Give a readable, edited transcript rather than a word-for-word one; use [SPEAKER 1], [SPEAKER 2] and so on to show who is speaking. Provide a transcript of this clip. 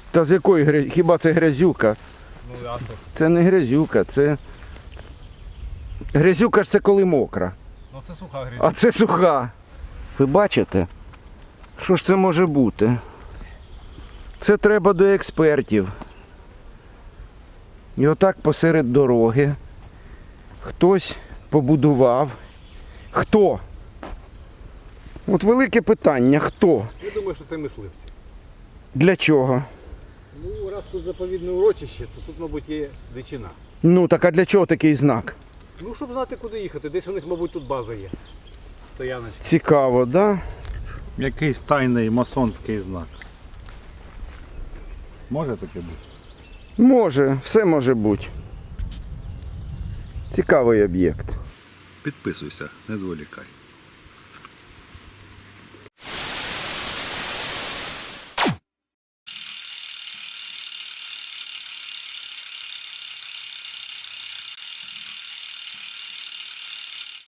[SPEAKER 1] Та з якої грязюки? Хіба це грязюка?
[SPEAKER 2] Ну, ясно.
[SPEAKER 1] Це не грязюка, це... Грязюка ж це коли мокра,
[SPEAKER 2] Ну це суха грязь.
[SPEAKER 1] а це суха. Ви бачите? Що ж це може бути? Це треба до експертів. І отак посеред дороги хтось побудував. Хто? От велике питання, хто?
[SPEAKER 2] Я думаю, що це мисливці.
[SPEAKER 1] Для чого?
[SPEAKER 2] Ну, раз тут заповідне урочище, то тут, мабуть, є дичина.
[SPEAKER 1] Ну так а для чого такий знак?
[SPEAKER 2] Ну, щоб знати, куди їхати. Десь у них, мабуть, тут база є. Стояночка.
[SPEAKER 1] Цікаво, да?
[SPEAKER 3] Якийсь тайний масонський знак. Може таке бути?
[SPEAKER 1] Може, все може бути. Цікавий об'єкт.
[SPEAKER 3] Підписуйся, не зволікай.